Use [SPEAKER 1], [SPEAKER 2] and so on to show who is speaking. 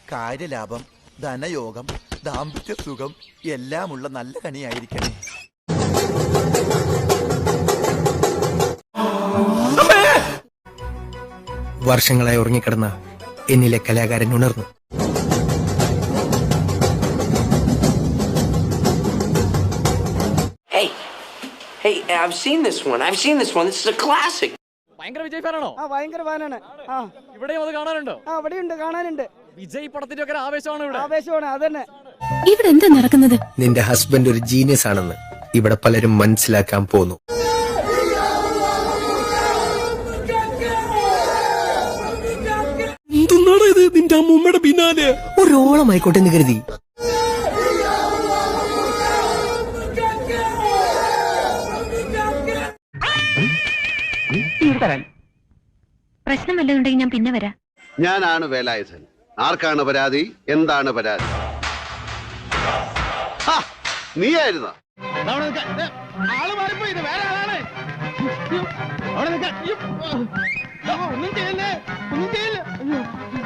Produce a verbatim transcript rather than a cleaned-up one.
[SPEAKER 1] കാര്യലാഭം, ധനയോഗം, ദാമ്പത്യ സുഖം എല്ലാമുള്ള നല്ല കണിയായിരിക്കണേ.
[SPEAKER 2] വർഷങ്ങളായി ഉറങ്ങിക്കിടന്ന എന്നിലെ കലാകാരൻ ഉണർന്നു.
[SPEAKER 3] Hey, hey, I've seen this one. I've seen this one. This is a classic.
[SPEAKER 4] ഭയങ്കര വിജയ് ഫാനാണോ?
[SPEAKER 5] ആ ഭയങ്കര ഫാനാണ്. ആ
[SPEAKER 4] ഇവിടെയും അത് കാണാനുണ്ടോ?
[SPEAKER 5] ആ ഇവിടെയുണ്ട്, കാണാനുണ്ട്.
[SPEAKER 4] വിജയ് പടത്തിന്റെ ഒക്കെ ആവേശമാണ് ഇവിടെ.
[SPEAKER 5] ആവേശമാണ് അതന്നെ.
[SPEAKER 6] ഇവിടെ എന്താ നടക്കുന്നത്?
[SPEAKER 2] നിന്റെ ഹസ്ബൻഡ് ഒരു ജീനിയസ് ആണെന്ന് ഇവിടെ പലരും മനസ്സിലാക്കാൻ പോന്നു. എന്തുന്നാണ് ഇത്? നിന്റെ അമ്മൂമ്മയുടെ പിന്നാലെ ഒരോളമായിക്കോട്ടെ എന്ന് കരുതി.
[SPEAKER 6] പ്രശ്നം വല്ലതുണ്ടെങ്കിൽ ഞാൻ പിന്നെ വരാം.
[SPEAKER 7] ഞാനാണ് വേലായുധൻ. ആർക്കാണ് പരാതി? എന്താണ് പരാതി? നീയായിരുന്ന
[SPEAKER 5] ഒന്നും ചെയ്യല്ലേ, ഒന്നും ചെയ്യല്ലേ.